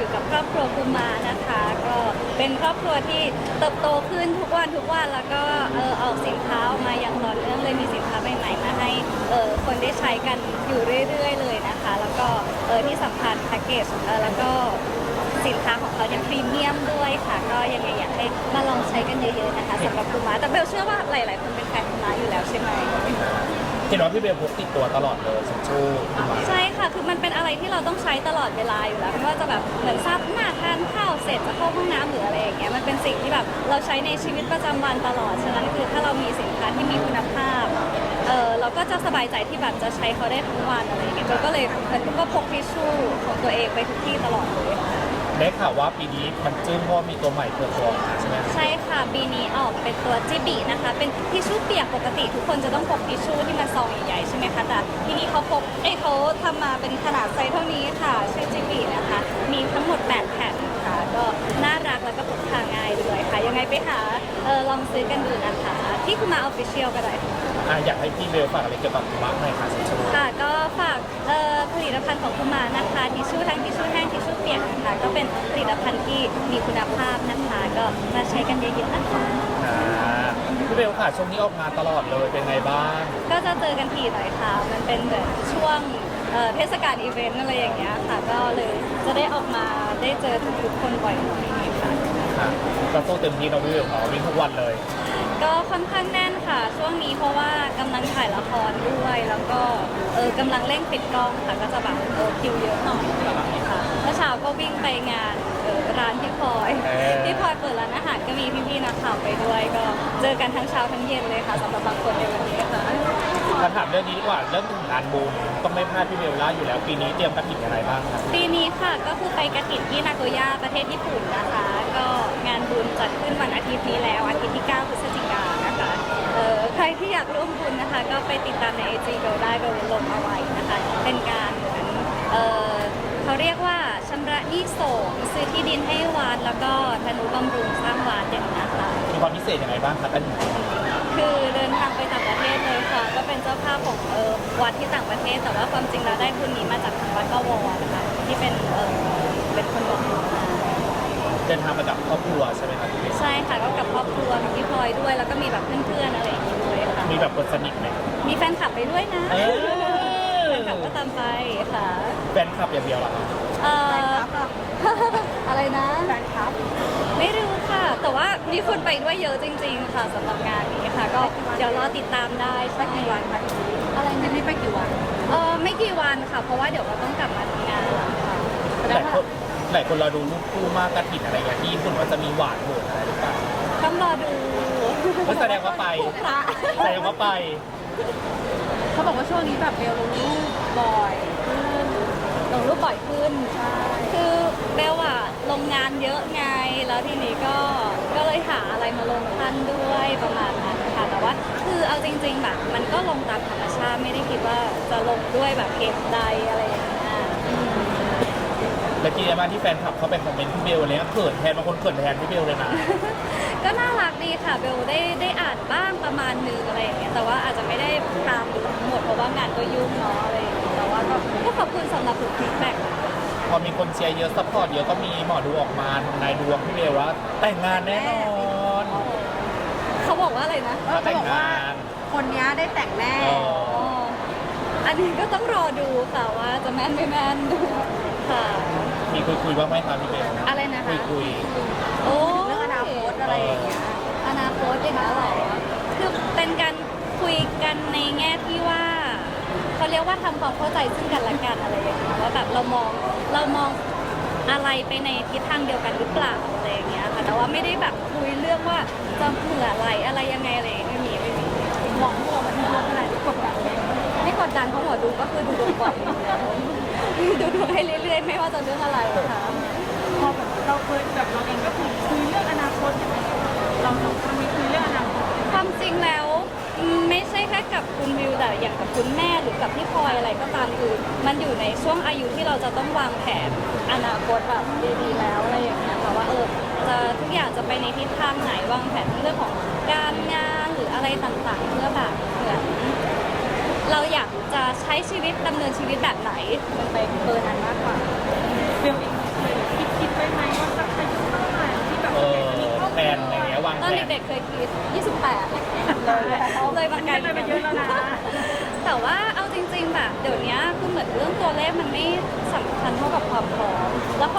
อยู่กับครอบครัวกุมานะคะก็เป็นครอบครัวที่เติบโตขึ้นทุกวันแล้วก็ออกสินค้าออกมาอย่างต่อเนื่องเลยมีสินค้าใหม่ๆมาให้คนได้ใช้กันอยู่เรื่อยๆเลยนะคะแล้วก็ที่สำคัญแพ็กเกจแล้วก็สินค้าของเขายังพรีเมียมด้วยค่ะก็ยังไงอยากให้มาลองใช้กันเยอะๆนะคะสำหรับกุมาแต่เบลเชื่อว่าหลายๆคนเป็นแฟนกุมาอยู่แล้วใช่ไหมเห็นว่าพี่เบลพกติดตัวตลอดเลยสักชูมาใช่ค่ะคือมันเป็นอะไรที่เราต้องใช้ตลอดเวลาอยู่แล้วไม่ว่าจะแบบเหมือนซับหน้าทานข้าวเสร็จจะเข้าห้องน้ำหรืออะไรอย่างเงี้ยมันเป็นสิ่งที่แบบเราใช้ในชีวิตประจำวันตลอดฉะนั้นคือถ้าเรามีสินค้าที่มีคุณภาพเราก็จะสบายใจที่แบบจะใช้เขาได้ทั้งวันอะไรอย่างเงี้ยก็เลยเหมือนก็พกทิชชู่ของตัวเองไปทุกที่ตลอดเลยค่ะได้ข่าวว่าปีนี้มันจึ้งเพราะมีตัวใหม่เปิดตัวมาใช่ไหมใช่ค่ะปีนี้ออกเป็นตัวจิบินะคะเป็นทิชชู่เปียกปกติทุกคนจะต้องพกทิชชู่ที่มันซองใหญ่ๆใช่ไหมคะแต่ทีนี้เขาทำมาเป็นขนาดไซส์เท่านี้ค่ะชื่อจิบินะคะมีทั้งหมด8แผ่นค่ะก็น่ารักแล้วก็พกพาง่ายด้วยค่ะยังไงไปหาลองซื้อกันดูนะคะที่คุณมาออฟฟิเชียลก็ได้อยากให้พี่เบลฝากอะไรเกี่ยวกับมาร์กหน่อยค่ะสักชูค่ะก็ฝากผลิตภัณฑ์ของคุณมานะคะทิชชู่ทั้งทิชชู่แห้งทิชชู่เปียกนะคะก็เป็นผลิตภัณฑ์ที่มีคุณภาพนะคะก็มาใช้กันเยอะๆนะคะพี่เบลค่ะช่วงนี้ออกงานตลอดเลยเป็นไงบ้างก็จะเจอกันถี่หน่อยค่ะมันเป็นเหมือนช่วงเทศกาลอีเวนต์อะไรอย่างเงี้ยค่ะก็เลยจะได้ออกมาได้เจอทุกๆคนบ่อยหน่อยค่ะก็โตเต็มที่เราพี่เบลวิ่งทุกวันเลยก็ค่อนข้างแน่นค่ะช่วงนี้เพราะว่ากำลังถ่ายละครด้วยแล้วก็กำลังเร่งปิดกล้องค่ะก็จะแบบคิวเยอะหน่อยค่ะเมื่อเช้าก็วิ่งไปงานร้านพี่พลอยเปิดร้านอาหารก็มีพี่ๆนักข่าวไปด้วยก็เจอกันทั้งเช้าทั้งเย็นเลยค่ะสำหรับบางคนในวันนี้ค่ะมาถามเรื่องนี้ดีกว่าเรื่องงานบุญต้องไม่พลาดพี่เบลล่าอยู่แล้วปีนี้เตรียมกระถิ่นอะไรบ้างครับปีนี้ค่ะก็คือไปกระถิ่นที่นาโกย่าประเทศญี่ปุ่นนะคะก็งานบุญจัดขึ้นวันอาทิตย์นี้แล้วอาทิตย์ที่9 พฤศจิกายนนะคะใครที่อยากร่วมบุญนะคะก็ไปติดตามใน IG เบลได้เบลลงเอาไว้นะคะเป็นการเหมือนเขาเรียกว่าชำระหนี้สงฆ์ซื้อที่ดินให้วัดแล้วก็ทนุบำรุงสร้างวัดอย่างนี้นะคะมีความพิเศษยังไงบ้างครับอันนี้คือเดินทางไปต่างประเทศเลยค่ะก็เป็นเจ้าภาพของวัดที่ต่างประเทศแต่ว่าความจริงแล้วได้ทุนนี้มาจากทางวัดกวนะคะที่เป็นคนบอกมาเดินทางมากับครอบครัวใช่ไหมครับใช่ค่ะก็กับครอบครัวกับพี่พลอยด้วยแล้วก็มีแบบเพื่อนๆอะไรอย่างนี้ด้วยค่ะมีแบบคนสนิทไหมมีแฟนคลับไปด้วยนะแฟนคลับก็ตามไปค่ะแฟนคลับอย่างเดียวเหรอครับอะไรนะแฟนคลับไม่รู้ค่ะแต่ว่ามีคนไปด้วยเยอะจริงๆค่ะสำหรับงานนี้ค่ะก็เดี๋ยวรอติดตามได้สักกี่วันคะอะไรนี่ไปกี่วันไม่กี่วันค่ะเพราะว่าเดี๋ยวเราต้องกลับมาทำงานค่ะหลายคนเราดูรูปคู่มากกระถิ่นอะไรอย่างที่ญี่ปุ่นว่าจะมีหวานโหดอะไรหรือเปล่าต้องรอดูแสดงว่าไปแสดงว่าไปเขาบอกว่าช่วงนี้แบบเบลลงรูปบ่อยขึ้นลงรูปบ่อยขึ้นใช่คือเบลอะลงงานเยอะไงแล้วทีนี้ก็เลยหาอะไรมาลงทันด้วยประมาณนั้นค่ะแต่ว่าคือเอาจริงๆแบบมันก็ลงตามธรรมชาติไม่ได้คิดว่าจะลงด้วยแบบเหตุใดอะไรอย่างเงี้ยแล้วกี่มาที่แฟนคลับเขาไปคอมเมนต์พี่เบลอะไรเงี้ยเขินแทนบางคนเขินแทนพี่เบลเลยนะก็น่ารักดีค่ะเบลได้อ่านบ้างประมาณนึงอะไรอย่างเงี้ยแต่ว่าอาจจะไม่ได้ตามดูทั้งหมดเพราะว่างานก็ยุ่งเนาะอะไรอย่างเงี้ยแต่ว่าก็ขอบคุณสำหรับทุกฟีดแบ็กพอมีคนเชียร์เยอะซัพพอร์ตเยอะก็มีหมอดูออกมาทำนายดวงพี่เบลว่าแต่งงานแน่นอนเขาบอกว่าอะไรนะเขาบอกว่าคนนี้ได้แต่งแน่อันนี้ก็ต้องรอดูค่ะว่าจะแม่นไม่แม่นค่ะมีคุยบ้างไหมครับพี่เบลอะไรนะคะคุยโอ้เรื่องอนาคตอะไรอย่างเงี้ยอนาคตอย่างเงี้ยหรอคือเป็นการคุยกันในแง่ที่ว่าเขาเรียกว่าทำความเข้าใจซึ่งกันและกันอะไรอย่างเงี้ยว่าแบบเรามองอะไรไปในทิศทางเดียวกันหรือเปล่าอะไรอย่างเงี้ยค่ะแต่ว่าไม่ได้แบบคุยเรื่องว่าจะเผื่ออะไรยังไงอะไรไม่มีหวังว่ามันจะขนาดที่กดดันไม่กดดันเพราะหมอดูก็คือดูดวงบ่อยดูดวงให้เรื่อยๆไม่ว่าจะเรื่องอะไรค่ะพอแบบเราเคยแบบเราเองก็คุยเรื่องอนาคตเราไม่คุยเรื่องอนาคตความจริงแล้วไม่ใช่แค่กับคุณวิวแต่อย่างกับคุณแม่หรือกับพี่พลอยอะไรก็ตามคือมันอยู่ในช่วงอายุที่เราจะต้องวางแผนอนาคตแบบดีๆแล้วอะไรอย่างเงี้ยค่ะว่าจะทุกอย่างจะไปในทิศทางไหนวางแผนเรื่องของการงานหรืออะไรต่างๆเพื่อแบบเหมือนเราอยากจะใช้ชีวิตดำเนินชีวิตแบบไหนมันไปเบอร์นั้นมากกว่าเบลเองเคยคิด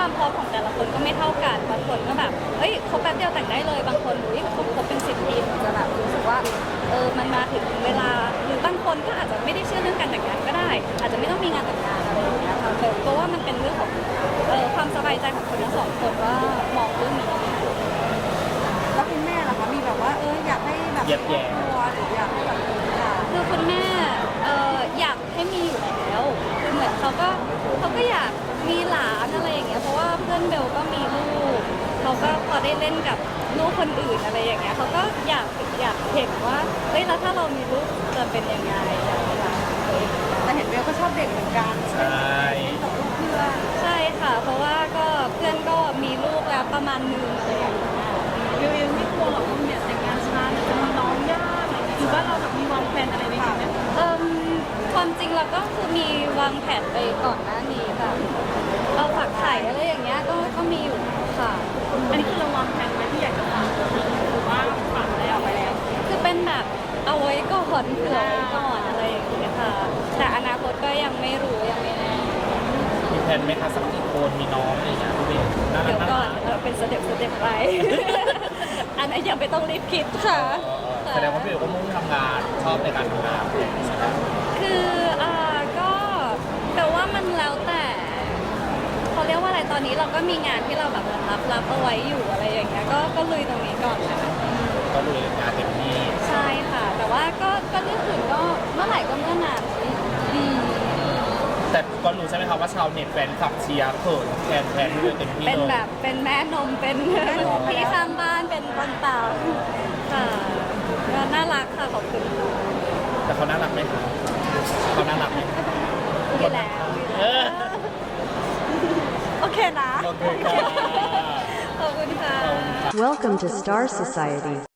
ความพร้อมของแต่ละคนก็ไม่เท่ากันบางคนก็แบบเอ้ยคบแป๊บเดียวแต่งได้เลยบางคนอุ้ยคบเป็น10 ปีถึงจะแบบรู้สึกว่ามันมาถึงเวลาหรือบางคนก็อาจจะไม่ได้เชื่อเรื่องการแต่งงานก็ได้ อาจจะไม่ต้องมีงานแต่งงานอะไรอย่างเงี้ยค่ะเพราะว่ามันเป็นเรื่องของความสบายใจของคนทั้งสองคนว่ามองเรื่องนี้แล้วคุณแม่ล่ะคะมีแบบว่าอยากให้แบบเย็บแย่ครอบครัวหรืออยากให้แบบค่ะคือคุณแม่อยากให้มีอยู่แล้วคือเหมือนเขาก็อยากมีหลานอะไรอย่างเงี้ยเพราะว่าเพื่อนเบลก็มีลูกเขาก็พอได้เล่นกับลูกคนอื่นอะไรอย่างเงี้ยเขาก็อยากเห็นว่าเฮ้ยแล้วถ้าเรามีลูกจะเป็นยังไงอยากมีหลานแต่เห็นเบลก็ชอบเด็กเหมือนกันใช่กับลูกเพื่อนใช่ค่ะ เพราะว่าก็เพื่อนก็มีลูกแล้วประมาณนึงอะไรอย่างเงี้ยเบลเองไม่กลัวหรอกว่าเนี่ยแต่งงานช้ามันจะมีน้องยากอะไรเงี้ยหรือว่าเราแบบมีวางแผนอะไรไว้ไหมความจริงเราก็คือมีวางแผนไปก่อนหน้านี้แบบเราฝากไข่อะไรอย่างเงี้ยก็มีอยู่ค่ะอันนี้คือเราวางแผนไว้ที่อยากจะฝากหรือว่าฝากแล้วไปแล้วคือเป็นแบบเอาไว้ก่อนเผื่อไว้ก่อนอะไรอย่างเงี้ยค่ะ แต่อนาคตก็ยังไม่รู้ยังไม่แน่มีแผนไหมคะสักกี่คนมีน้องอะไรอย่างเงี้ยพี่เบลน่ารัเดี๋กยวน่าก่อรันกเป็นสเต็ปไป อันนั้นยังไม่ต้องรีบคิดค่ะแสดงว่าพี่เบลก็มุ่งทำงานชอบในการทำงานใช่ไหมคือก็แต่ว่ามันแล้วแต่เขาเรียกว่าอะไรตอนนี้เราก็มีงานที่เราแบบรับเอาไว้อยู่อะไรอย่างเงี้ยก็ลุยตรงนี้ก่อนนะคะก็ลุยงานเต็มที่ใช่ค่ะ แต่ว่าก็เรื่องอื่นก็เมื่อไหร่ก็เมื่อนานอืมแต่ก็รู้ใช่ไหมครับว่าชาวเน็ตแฟนคลับเชียร์เขินแทนพี่เบลเต็มที่เป็นเลยแบบเป็นแม่นมเป็นพี่ข้างบ้านเป็นต้นเต่าค่ะก็น่ารักค่ะขอบคุณค่ะแต่เขาน่ารักไหมคะเขาน่ารักไหมอยู่แล้วเออโอเคนะโอเคค่ะขอบคุณค่ะ Welcome to Star Society.